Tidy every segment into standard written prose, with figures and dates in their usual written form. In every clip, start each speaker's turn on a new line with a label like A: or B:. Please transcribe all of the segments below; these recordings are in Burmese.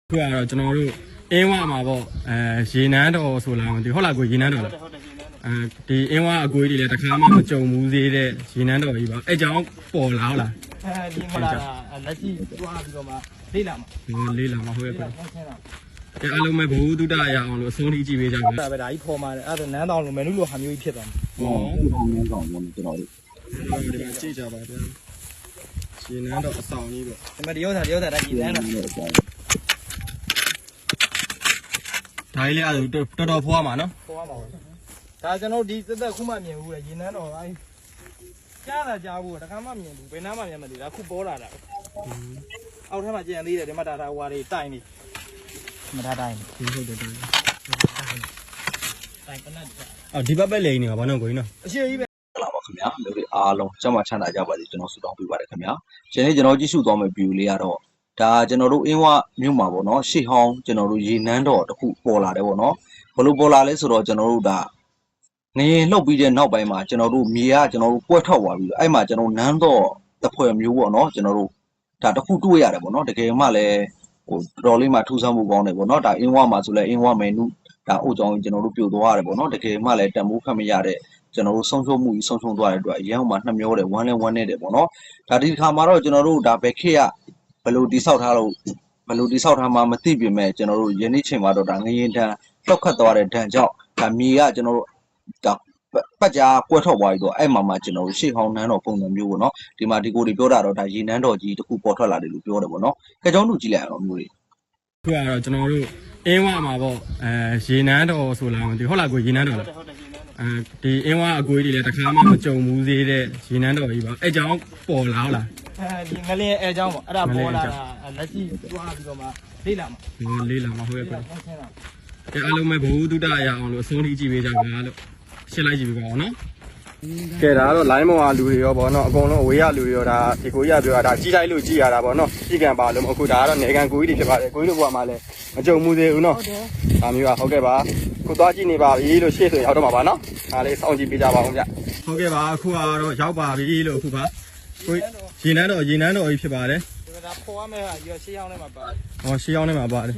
A: ခုကတော့ကျွန်တော်တို့အင်းဝမှာပေါ့ရေနန်းတော်ဆိုလာမသိဟုတ်လားကိုရေနန်းတော်လားဒီအင်းဝအကွေးတွေလည်းတစ်ခါမှမကြုံဘူးသေးတဲ့ရေနန်းတော်ကြီးပါအဲ့ကြောင့်ပေါ်လာဟုတ်လား
B: ဒီမလာလက်ရှိတွားပြီးတော့မှလေးလာမှာ
A: လေးလာမှာဟုတ်ရဲ့ကွအဲ့အလုံးမဲ့ဘဝတုဒ္ဒရအောင်လို့အဆုံးထိကြည့်ပေးကြပါ
B: ဒါပဲဒါကြီးဖော်มาတယ်အဲ့ဒါနန်းတောင်လိုမယ်နုလိုဟာမျိုးကြီးဖြစ်သွားမှာ
C: နန်းတောင်ပေါ့ကျွန်တော်တို့
A: ဒီမှာကြည့်ကြပါဗျာရေနန်းတော်အဆောင်ကြီးပေါ့
B: ဒီမှာတရုတ်သားဒါကြီးနန်းတော်
A: ဒါကြီးလေအဲ့တော်တော်ဖွားမှာနော်
B: ဖွားပါဘူးဒါကျွန်တော်ဒီသက်ခုမှမြင်ဘူးလေရေနန်းတော်အဲ့ကြားတာကြားဘူးတခါမှမြင်ဘူးဘယ်နားမှမြင်မသိဒါခုပေါ်လာတာအောက်ထပ်မှာကြံသေးတယ်ဒီမှာဒါဟွာတွေတိုင်နေမထားတိုင်း
A: ဟုတ်တယ်တိုင်
B: ပနတ်
A: ဒီဘက်ပဲလိန်နေပါဘာလို့ကိုကြီးနော်
B: အရှိကြီးပဲ
C: လာပါခင်ဗျာလူတွေအားလုံးကျမချမ်းသာကြပါစေကျွန်တော်ဆုတောင်းပေးပါတယ်ခင်ဗျာရှင်လေးကျွန်တော်ကြည့်ရှုသွားမယ့် view လေးကတော့ဒါကျွန်တော်တို့အင်းဝမြို့မှာပေါ့နော်ရှေ့ဟောင်းကျွန်တော်တို့ရေနန်းတော်တစ်ခုပေါ်လာတယ်ပေါ့နော်ဘလို့ပေါ်လာလဲဆိုတော့ကျွန်တော်တို့ဒါငရင်လှုပ်ပြီးတဲ့နောက်ပိုင်းမှာကျွန်တော်တို့မြေကကျွန်တော်တို့ပွက်ထွက်သွားပြီးအဲ့မှာကျွန်တော်နန်းတော်တစ်ဖွဲ့မျိုးပေါ့နော်ကျွန်တော်တို့ဒါတစ်ခုတွေ့ရတယ်ပေါ့နော်တကယ်မှလည်းဟိုတော်လေးမှထူးဆန်းမှုကောင်းတယ်ပေါ့နော်ဒါအင်းဝမှာဆိုလဲအင်းဝမယ်နုဒါအိုကြောင်းကျွန်တော်တို့ပြိုသွားရတယ်ပေါ့နော်တကယ်မှလည်းတန်ဖိုးခတ်မရတဲ့ကျွန်တော်တို့ဆုံးရှုံးမှုကြီးဆုံးရှုံးသွားတဲ့အတွက်အရင်ကမှနှမျောတယ်ဝမ်းလဲဝမ်းနေတယ်ပေါ့နော်ဒါဒီတစ်ခါမှာတော့ကျွန်တော်တို့ဒါဘယ်ခေတ်ကဘယ်လိုတိဆောက်ထားလို့ဘယ်လိုတိဆောက်ထားမှမသိပြင်မဲ့ကျွန်တော်တို့ယနေ့ချိန်မှာတော့ဒါငရင်တန်လှောက်ခတ်သွားတဲ့ဒဏ်ကြောင့်ဒါမြေကကျွန်တော်တို့ဒါပတ်ကြားကွဲထွက်သွားပြီးတော့အဲ့မှာကျွန်တော်တို့ရှေ့ဟောင်းနန်းတော်ပုံစံမျိုးပေါ့နော်ဒီမှာဒီကိုတွေပြောတာတော့ဒါရေနန်းတော်ကြီးတစ်ခုပေါ်ထွက်လာတယ်လို့ပြောတယ်ပေါ့နော်ကြကြောင်းလူကြည့်လိုက်အောင်မျိုးတွေ
A: ခုကတော့ကျွန်တော်တို့အင်းဝမှာပေါ့ရေနန်းတော်ဆိုလာမသိဟုတ်လားကိုရေနန်းတော်လားဒီအင်းဝအကွေးတွေလည်းတစ်ခါမှမကြုံဘူးသေးတဲ့ရေနန်းတော်ကြီးပါအဲ့ကြောင့်ပေါ်လာဟုတ်လား
B: ဒီငလင်းအဲကြောင့်ပေါ့အဲ့ဒါပေါ်လာတာလက်ရှိတွားပြီးတော့မှလေးလာမှာ
A: လေးလာမှာဟုတ်ရဲ့ကွအဲ့အလုံးမဲ့ဘဝတုဒ္ဒရအောင်လို့အဆုံးထိကြည့်ပေးကြပါလို့ရှင်းလိုက်ကြည့်ပေးပါအောင်နော်ကဲဒါကတော့ line ပေါ်ကလူတွေရောပေါ့နော်အကုန်လုံးအဝေးရလူတွေရောဒါဒီကိုကြီးကပြောတာဒါကြီးတိုင်းလို့ကြည်ရတာပေါ့နော်ကြီးကံပါလို့မဟုတ်ဒါကတော့နေကံကိုကြီးတွေဖြစ်ပါတယ်ကိုကြီးတို့ဘဝမှာလည်းမကြုံမှုသေးဘူးနော်ဒါမျိုးကဟုတ်ကဲ့ပါခုသွားကြည့်နေပါပြီလို့ရှေ့ဆိုရောက်တော့မှာပါနော်ဒါလေးစောင့်ကြည့်ပေးကြပါအောင်ဗျဟုတ်ကဲ့ပါအခုကတော့ရောက်ပါပြီလို့အခုပါကိုရေနန်းတော်ကြီးဖြစ်ပါတယ်
B: ဒါပေါ်ရမယ့်ဟာရွှေရှေးအောင်ထဲမှာပါတယ်
A: ဟောရှေးအောင်ထဲမှာပါတယ်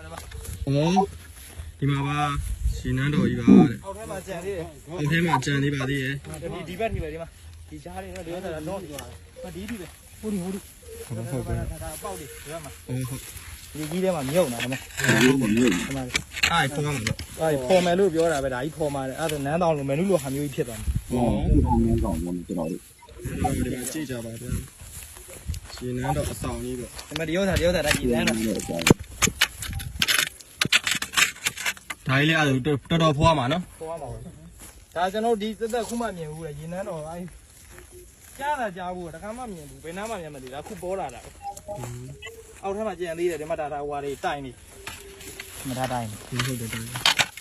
A: ဒီမှာပါရေနန်းတော်ကြီးပါတဲ့
B: အောက်ထဲမှာကြံသေးတယ်
A: အောက်ထဲမှာကြံသေးပါသေးရဲ့
B: ဒီဘက်ထိပဲဒီမှာဒီကြားလေးတော့ဒီကတော့တော့ဒီပဲဟိုဒီ
A: ဟုတ်
B: ကဲ့ဒါပေါက်လေးဒီမှာ
A: ဟုတ်
B: ဒီကြီးထဲမှာမြုပ်နေတာမ
C: ဟုတ်ပါဘူး
A: အဲ့ဖော်မှာလို့
B: အဲ့ဖော်မယ်လို့ပြောတာပဲဒါကြီးဖော်မှာတယ်အဲ့ဒါနန်းတောင်လိုမယ်နုလိုဟာမျိုးကြီးဖြစ်သွားမှာ
C: ဟုတ်နန်းတောင်ပေါ့ကျွန်တော်တို့
A: ဒီမှာကြည့်ကြပါဗျာရေနန်းတော်အဆောင်ကြီးပေါ့
B: ဒီမှာတရုတ်သားဒါကြီးနန်းတော်
A: ဒါကြီးလေအဲ့တော်တော်ဖွားမှာနော်
B: ဖွားမှာပါဒါကျွန်တော်ဒီသက်ခုမှမြင်ဘူးလေရေနန်းတော်အဲ့ကြားတာကြားဘူးတခါမှမြင်ဘူးဘယ်နားမှမြင်မသိဒါခုပေါ်လာတာအောက်ထပ်မှာကြံသေးတယ်ဒီမှာဒါဟွာတွေတိုင်နေမထားတိုင်း
A: ဟုတ်တယ်တိုင်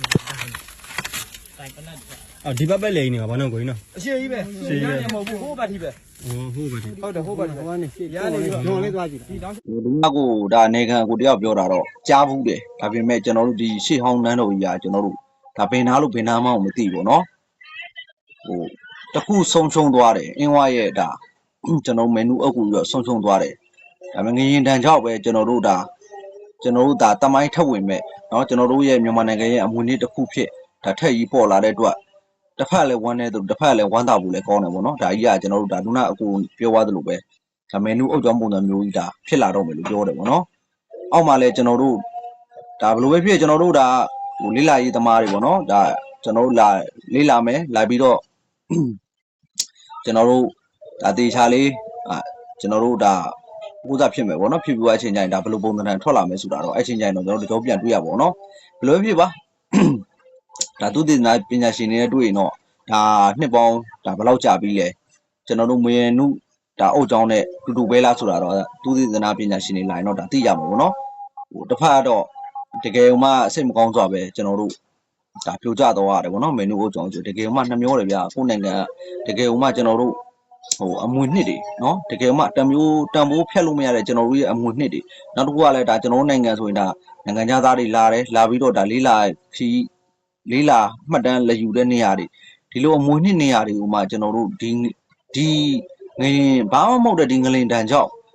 B: ပနတ်
A: ဒီဘက်ပဲလိန်နေပါဘာလို့ကိုကြီးနော်
B: အရှိကြီးပဲ
A: ရှိရ
B: မဟုတ်ဘူးဟိုဘက်ထိပဲ
A: ဟိုဘက်ထိ
B: ဟုတ်တယ်ဟိုဘက်ထိဟိုကနေရနေပြီညွန်လေးသွားကြည့်ဒီတောင်း
C: ဒီမှာကိုဒါနေခံကိုတယောက်ပြောတာတော့ကြားဘူးတယ်ဒါပေမဲ့ကျွန်တော်တို့ဒီရှေ့ဟောင်းနန်းတော်ကြီးကကျွန်တော်တို့ဒါဘယ်နာလို့ဘယ်နာမှမသိဘူးနော်ဟိုတခုဆုံးရှုံးသွားတယ်အင်းဝရဲ့ဒါကျွန်တော်မန်နူအုပ်ကူပြီးတော့ဆုံးရှုံးသွားတယ်ဒါပေမဲ့ငရင်တန်ကြောက်ပဲကျွန်တော်တို့ဒါတမိုင်းထပ်ဝင်မဲ့เนาะကျွန်တော်တို့ရဲ့မြန်မာနိုင်ငံရဲ့အမွေအနှစ်တစ်ခုဖြစ်ဒါထက်ကြီးပေါ်လာတဲ့အတွက်တစ်ဖက်လည်းဝမ်းနေသူတစ်ဖက်လည်းဝမ်းသာဖို့လည်းကောင်းတယ်ပေါ့နော်ဒါကြီးကကျွန်တော်တို့ဒါလူနာအကူပြောသွားသလိုပဲဒါမန်နူအုပ်ကြောင်းပုံစံမျိုးကြီးဒါဖြစ်လာတော့မယ်လို့ပြောတယ်ပေါ့နော်အောက်မှာလည်းကျွန်တော်တို့ဒါဘယ်လိုပဲဖြစ်ကျွန်တော်တို့ဒါဟိုလေးလာရေးသမားတွေပေါ့နော်ဒါကျွန်တော်တို့လာလေးလာမယ်လာပြီးတော့ကျွန်တော်တို့ဒါတေချာလေးကျွန်တော်တို့ဒါကိုးစားဖြစ်မယ်ပေါ့နော်ဖြစ်ပြီးအချိန်ကျရင်ဒါဘယ်လိုပုံစံထွက်လာမယ်ဆိုတာတော့အချိန်ကျရင်တော့ကျွန်တော်တို့ကြောပြန်တွေ့ရပါဘောနော်ဘယ်လိုဖြစ်ပါဒါသူတည်နာပညာရှင်တွေနဲ့တွေ့ရင်တော့ဒါနှစ်ပေါင်းဒါဘယ်လောက်ကြာပြီလဲကျွန်တော်တို့မွေရနုဒါအုတ်ကြောင်းနဲ့တူပဲလားဆိုတာတော့သူတည်နာပညာရှင်တွေလာရင်တော့ဒါသိရမှာပေါ့နော်ဟိုတစ်ဖက်ကတော့တကယ်မှစိတ်မကောင်းစွာပဲကျွန်တော်တို့ဒါပြိုကျတော့ရတယ်ပေါ့နော်မင်းတို့အုတ်ကြောင်းဆိုတကယ်မှနှမျောတယ်ဗျာကိုယ်နိုင်ငံတကယ်မှကျွန်တော်တို့ဟိုအမွေနှစ်တွေเนาะတကယ်မှတန်ဖိုးဖြတ်လို့မရတဲ့ကျွန်တော်တို့ရဲ့အမွေနှစ်တွေနောက်တစ်ခုကလည်းဒါကျွန်တော်တို့နိုင်ငံဆိုရင်ဒါနိုင်ငံသားတွေလာတယ်လာပြီးတော့ဒါလေးလာမှတ်တမ်းလက်ယူတဲ့နေရာတွေဒီလိုအမွေနှစ်နေရာတွေကိုမှကျွန်တော်တို့ဒီငရင်ဘာမှမဟုတ်တဲ့ဒီငလင်တန်ကြောင့်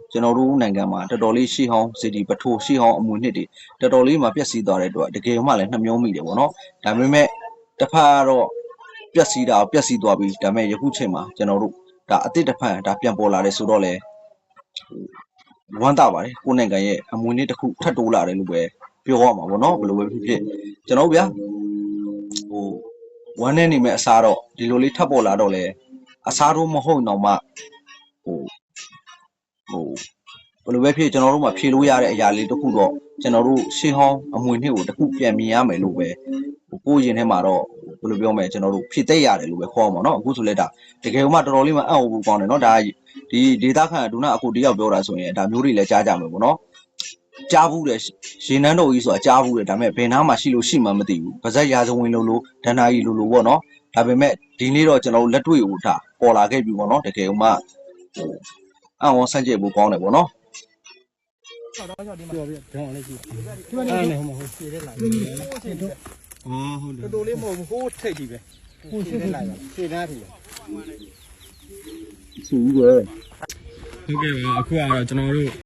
C: ကျွန်တော်တို့နိုင်ငံမှာတော်တော်လေးရှေ့ဟောင်းစီတီပထိုးရှေ့ဟောင်းအမွေနှစ်တွေတော်တော်လေးမှာပျက်စီးသွားတဲ့အတွက်တကယ်မှလည်းနှမျောမိတယ်ပေါ့နော်ဒါပေမဲ့တစ်ဖက်ကတော့ပျက်စီးတာပျက်စီးသွားပြီဒါပေမဲ့ယခုချိန်မှာကျွန်တော်တို့ဒါအစ်တစ်ဖက်ဒါပြန်ပေါ်လာတယ်ဆိုတော့လေဝမ်းသာပါတယ်ကိုယ်နိုင်ငံရဲ့အမွေနှစ်တစ်ခုထပ်တိုးလာတယ်လို့ပဲပြောရမှာပေါ့နော်ဘယ်လိုပဲဖြစ်ဖြစ်ကျွန်တော်ဗျာဟိုဝမ်းနဲ့နေမဲ့အစားတော့ဒီလိုလေးထပ်ပေါ်လာတော့လေအစားတော့မဟုတ်တော့မှဟိုဘယ်လိုပဲဖြစ်ကျွန်တော်တို့မှဖြေလို့ရတဲ့အရာလေးတစ်ခုတော့ကျွန်တော်တို့ရှေးဟောင်းအမွေနှစ်ကိုတစ်ခုပြန်မြင်ရမယ်လို့ပဲကိုယ်ရင်ထဲမှာတော့ဘယ်လိုပြောမလဲကျွန်တော်တို့ဖြည့်သိရတယ်လို့ပဲခေါ်မှာเนาะအခုဆိုလဲဒါတကယ်မှတော်တော်လေးမှအံ့ဩဖို့ကောင်းတယ်เนาะဒါဒီဒေတာခန့်ဒုနာအခုတယောက်ပြောတာဆိုရင်ဒါမျိုးတွေလည်းကြားကြမယ်ပေါ့เนาะကြားဘူးတယ်ရေနန်းတော်ကြီးဆိုတာကြားဘူးတယ်ဒါပေမဲ့ဘယ်နားမှာရှိလို့ရှိမှမသိဘူးဗဇက်ရာဇဝင်လို့ဒဏ္ဍာကြီးလို့ပေါ့เนาะဒါပေမဲ့ဒီနေ့တော့ကျွန်တော်တို့လက်တွေ့ကိုဒါပေါ်လာခဲ့ပြီပေါ့เนาะတကယ်မှအံ့ဩဆန့်ကျင်ဖို့ကောင်းတယ်ပေါ့เนาะ
A: ပြောပြကြောင်းလေးကြည့်
B: ဒီမှာနေဟိုမှာဟိုခြေထဲလာတယ်ဟိုခြေထဲ
A: အော်ဟုတ်တယ်
B: တော်တော်လေးမဟုတ်ဘူးဟိုထိတ်ကြီးပဲဟိုခြေထဲလာတယ်ခြေသားထီ
C: ဆူပဲ
A: ဟုတ်ကဲ့ပါအခုကတော့ကျွန်တော်တို့